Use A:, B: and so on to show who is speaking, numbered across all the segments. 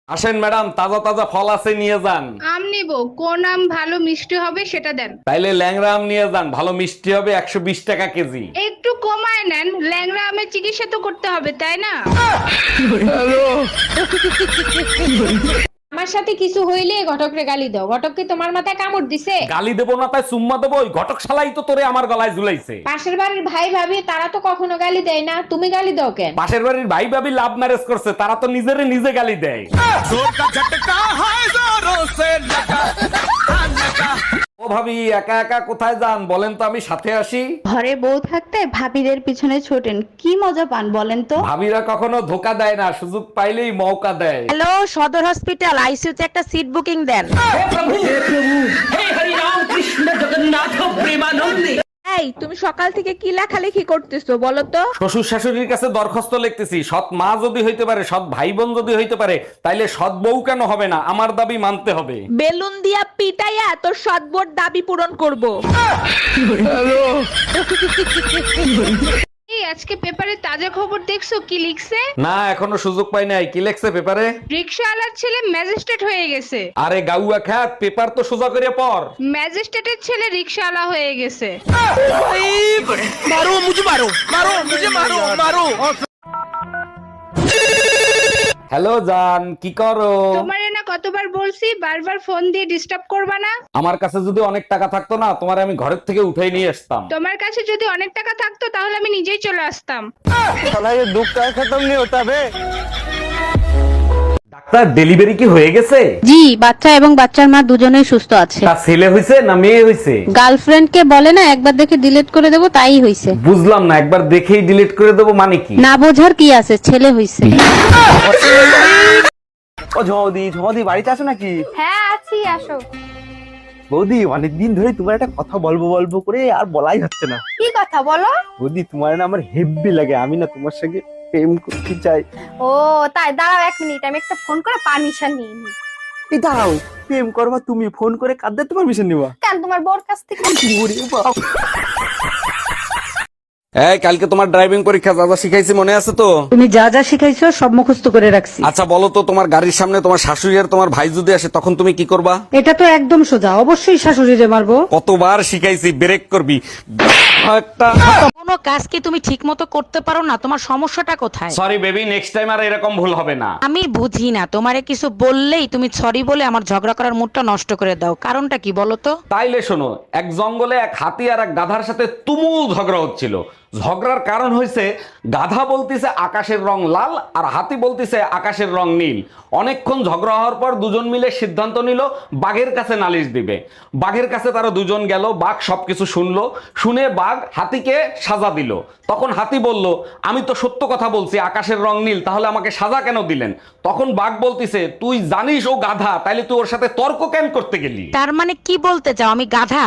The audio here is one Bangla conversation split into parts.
A: আসেন ম্যাডাম, তাজা তাজা ফল আছে, নিয়ে যান।
B: আম নিবো, কোন আম ভালো মিষ্টি হবে সেটা দেন।
A: তাইলে ল্যাংড়া আম নিয়ে যান, ভালো মিষ্টি হবে, 120 টাকা কেজি।
B: একটু কমায় নেন, ল্যাংড়া আমের চিকিৎসা তো করতে হবে তাই না?
C: আমার সাথে কিছু হইলে ঘটকরে গালি দাও। ঘটক কি তোমার মাথায় কামড় দিছে?
A: গালি দেবো না তাই চুম্মা দেবো? ওই ঘটক শালাই তো তোরে আমার গলায় ঝুলাইছে।
C: পাশের বাড়ির ভাই ভাবি তারা তো কখনো গালি দেয় না, তুমি গালি দাও কেন?
A: পাশের বাড়ির ভাই ভাবি লাভ ম্যারেজ করছে, তারা তো নিজেরে নিজে গালি দেয়। ও ভাবি, একা একা কোথায় যান বলেন তো, আমি সাথে আসি।
D: ঘরে বউ থাকতে ভাবিদের পিছনে ছোটেন, কি মজা পান বলেন তো?
A: ভাবিরা কখনো ধোকা দেয় না, সুযোগ পাইলেই মৌকা দেয়।
E: হ্যালো, সদর হসপিটাল আইসিইউতে একটা সিট বুকিং দেন। এই, তুমি সকাল থেকে কি লেখালেখি করতেছো বলো তো?
A: শ্বশুর শাশুড়ির কাছে দরখাস্ত লিখতেছি, সৎ মা যদি হইতে পারে, সৎ ভাই বোন যদি হইতে পারে, তাইলে সৎ বউ কেন হবে না? আমার দাবি মানতে হবে।
E: বেলুন দিয়া পিটাইয়া তোর সদবোর দাবি পূরণ করব।
B: এই আজকে পেপারে তাজা খবর দেখছো কি লিখছে?
A: না, এখনো সুযোগ পাই নাই। কি লেখছে পেপারে?
B: রিকশাওয়ালার ছেলে ম্যাজিস্ট্রেট হয়ে গেছে।
A: আরে গাউয়া খ্যাত, পেপার তো সোজা করে পড়।
B: ম্যাজিস্ট্রেটের ছেলে রিকশাওয়ালা হয়ে গেছে।
A: হ্যালো জান, কি করো?
B: তোমারে না কতবার বলছি বারবার ফোন দিয়ে ডিস্টার্ব করবা না।
A: আমার কাছে যদি অনেক টাকা থাকতো না, তোমার আমি ঘরের থেকে উঠাই নিয়ে আসতাম।
B: তোমার কাছে যদি অনেক টাকা থাকতো তাহলে আমি নিজেই চলে আসতাম।
A: ডাক্তার, ডেলিভারি কি হয়ে গেছে?
D: জি, বাচ্চা এবং বাচ্চার মা দুজনেই সুস্থ আছে।
A: তা ছেলে হইছে না মেয়ে হইছে?
D: গার্লফ্রেন্ড কে বলে না একবার দেখে ডিলিট করে দেবো, তাই হইছে।
A: বুঝলাম না, একবার দেখেই ডিলিট করে দেবো মানে কি?
D: না বোঝার কি আছে, ছেলে হইছে।
F: ও ঝদি ঝদি, বাড়িতে আছো নাকি?
C: হ্যাঁ আছি, আসো।
F: বৌদি, অনেকদিন ধরে তোমার একটা কথা বলবো বলবো করে আর বলাই হচ্ছে না।
C: কি কথা বলো?
F: বৌদি, তোমার না আমার হেব্বি লাগে, আমি না তোমার সঙ্গে প্রেম করতে চাই।
C: ও তাই, দাঁড়াও 1 মিনিট, আমি একটা ফোন করে পারমিশন নিয়ে নিই।
F: এই দাঁড়াও, প্রেম করবা তুমি, ফোন করে কাঁদতে তোমার পারমিশন নিবা?
C: কেন, তোমার বোর কাছ থেকে?
F: ওরে বাপ।
A: এই, কালকে তোমার ড্রাইভিং পরীক্ষা, যা যা শিখাইছি মনে আছে তো?
G: তুমি যা যা শিখাইছো সব মুখস্থ করে রাখছি।
A: আচ্ছা বলো তো, তোমার গাড়ির সামনে তোমার শাশুড়ি আর তোমার ভাই যদি আসে, তখন তুমি কি করবা?
G: এটা তো একদম সোজা, অবশ্যই শাশুড়িরে মারবো।
A: কতবার শিখাইছি, ব্রেক করবি একটা।
E: কোনো কাজ কি তুমি ঠিক মতো করতে পারো না? তোমার সমস্যাটা কোথায়?
A: সরি বেবি, নেক্সট টাইম আর এরকম ভুল হবে না।
E: আমি বুঝি না, তোমারে কিছু বললেই তুমি সরি বলে আমার ঝগড়া করার মুডটা নষ্ট করে দাও। কারণটা কি বলো তো?
A: তাইলে শোনো, এক জঙ্গলে এক হাতি আর এক গাধার সাথে তুমুল ঝগড়া হচ্ছিল। ঝগড়ার কারণ হয়েছে, গাধা বলতিছে আকাশের রং লাল আর হাতি বলতিছে আকাশের রং নীল। অনেকক্ষণ ঝগড়া হওয়ার পর দুজন মিলে সিদ্ধান্ত নিল বাঘের কাছে নালিশ দিবে। বাঘের কাছে তারা দুজন গেল, বাঘ সবকিছু শুনলো, শুনে বাঘ হাতিকে সাজা দিল। তখন হাতি বলল, আমি তো সত্য কথা বলছি, আকাশের রং নীল, তাহলে আমাকে সাজা কেন দিলেন? তখন বাঘ বলতিছে, তুই জানিস ও গাধা, তাইলে তুই ওর সাথে তর্ক কেন করতে গেলি?
E: তার মানে কি বলতে চাও আমি গাধা?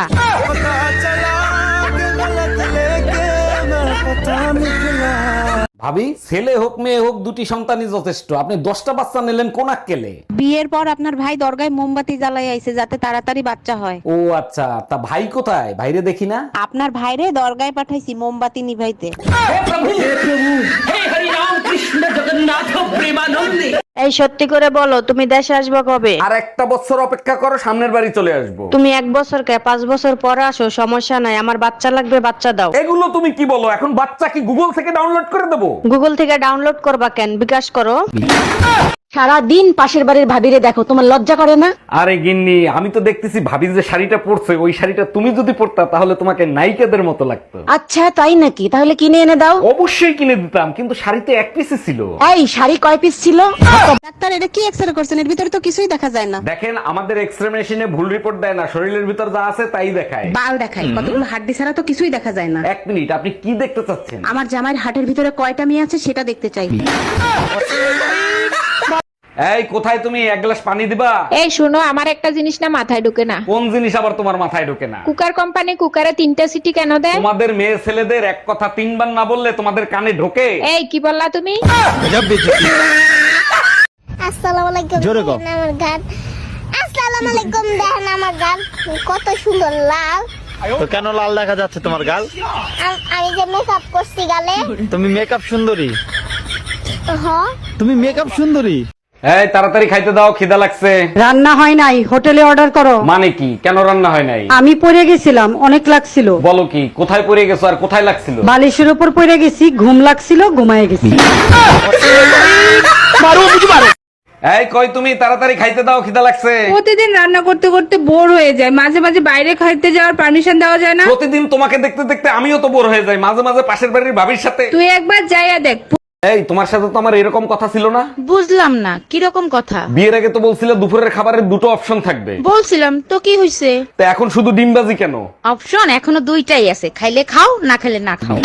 A: ভাবি, ছেলে হোক মেয়ে হোক, দুটি সন্তানই যথেষ্ট। আপনি 10টা বাচ্চা নিলেন কোন আক্কেলে?
D: বিয়ের পর আপনার ভাই দরগায় মোমবাতি জ্বালাই আইছে যাতে তাড়াতাড়ি বাচ্চা হয়।
A: ও আচ্ছা, তা ভাই কোথায়? ভাইরে দেখি না।
D: আপনার ভাইরে দরগায় পাঠাইছি মোমবাতি নিভাইতে।
E: এই সত্যি করে বলো, তুমি দেশে আসবে কবে?
A: আর একটা বছর অপেক্ষা করো, সামনের বাড়ি চলে আসবো।
E: তুমি 1 বছর কে 5 বছর পরে আসো, সমস্যা নাই। আমার বাচ্চা লাগবে, বাচ্চা দাও।
A: এগুলো তুমি কি বলো? এখন বাচ্চা কি গুগল থেকে ডাউনলোড করে দেবো?
E: গুগল থেকে ডাউনলোড করবা কেন? বিকাশ করো।
G: সারা দিন পাশের বাড়ির ভাবিরে দেখো, তোমার লজ্জা করে না?
A: আরে গিন্নি, আমি তো দেখতেছি ভাবি যে শাড়িটা পরছে, ওই শাড়িটা তুমি যদি পরতা তাহলে তোমাকে নায়িকাদের মতো লাগতো।
G: আচ্ছা তাই নাকি? তাহলে কিনে এনে দাও।
A: অবশ্যই কিনে দিতাম, কিন্তু শাড়িতে এক পিসে ছিল।
G: এই শাড়ি কয় পিস ছিল? ডাক্তার, এটা কি এক্সরে করছেন? এর ভিতরে তো কিছুই দেখা যায় না।
A: দেখেন, আমাদের এক্সরে মেশিনে ভুল রিপোর্ট দেয় না, শরীরের ভিতর যা আছে তাই দেখায়।
G: বাল দেখাই, কতগুলো হাড্ডি ছাড়া তো কিছুই দেখা যায় না।
A: 1 মিনিট, আপনি কি দেখতে চাচ্ছেন?
G: আমার জামাইয়ের হাটের ভিতরে কয়টা মেয়ে আছে সেটা দেখতে চাই।
A: এই কোথায় তুমি? 1 গ্লাস পানি দিবা।
C: এই শোনো, আমার একটা জিনিস না মাথায় ঢুকে না।
A: কোন জিনিস আবার তোমার মাথায় ঢোকে না?
C: কুকার কোম্পানি কুকারে 3টা সিটি কেন দেয়?
A: তোমাদের মেয়ে ছেলেদের এক কথা 3 বার না বললে তোমাদের কানে ঢোকে?
C: এই কি বললা তুমি?
H: আসসালামু আলাইকুম।
F: জোরে কও।
H: দেখেন আমার গান। আসসালামু আলাইকুম, দেখেন আমার গান কত সুন্দর লাল।
F: তো কেন লাল দেখা যাচ্ছে তোমার গাল?
H: আমি যে মেকআপ করছি গালে।
F: তুমি মেকআপ সুন্দরী,
H: হ্যাঁ,
F: তুমি মেকআপ সুন্দরী।
A: এই তাড়াতাড়ি খাইতে দাও, খিদা লাগছে।
G: রান্না হয় নাই, হোটেলে অর্ডার করো।
A: মানে কি, কেন রান্না হয় নাই?
G: আমি পড়ে গেছিলাম, অনেক লাগছিল।
A: বলো কি, কোথায় পড়ে গেছো আর কোথায় লাগছিল?
G: বালিশের উপর পড়ে গেছি, ঘুম লাগছিল, ঘুমায় গেছি।
A: এই কই তুমি, তাড়াতাড়ি খাইতে দাও, খিদা লাগছে।
B: প্রতিদিন রান্না করতে করতে বোর হয়ে যায়, মাঝে মাঝে বাইরে খাইতে যাওয়ার পারমিশন দেওয়া যায় না?
A: প্রতিদিন তোমাকে দেখতে দেখতে আমিও তো বোর হয়ে যাই, মাঝে মাঝে পাশের বাড়ির ভাবির সাথে।
B: তুই একবার যাইয়া দেখ।
A: এই তোমার সাথে তো আমার এরকম কথা ছিল না।
E: বুঝলাম না কিরকম কথা।
A: বিয়ের আগে তো বলছিলে দুপুরের খাবারের দুটো অপশন থাকবে।
E: বলছিলাম তো, কি হইছে?
A: তো এখন শুধু ডিমবাজি কেন?
E: অপশন এখনো দুইটাই আছে, খাইলে খাও, না খাইলে না খাও।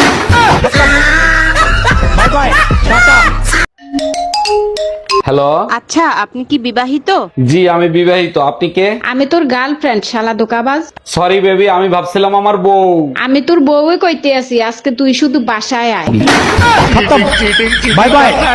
A: হ্যালো,
B: আচ্ছা, আপনি কি বিবাহিত?
A: জি আমি বিবাহিত। আপনি কে?
B: আমি তোর গার্লফ্রেন্ড, শালা দোকাবাজ।
A: সরি বেবি, আমি ভাবছিলাম আমার বউ।
B: আমি তোর বউই কইতে আছি, আজকে তুই শুধু বাসায় আয়।
F: Bye by.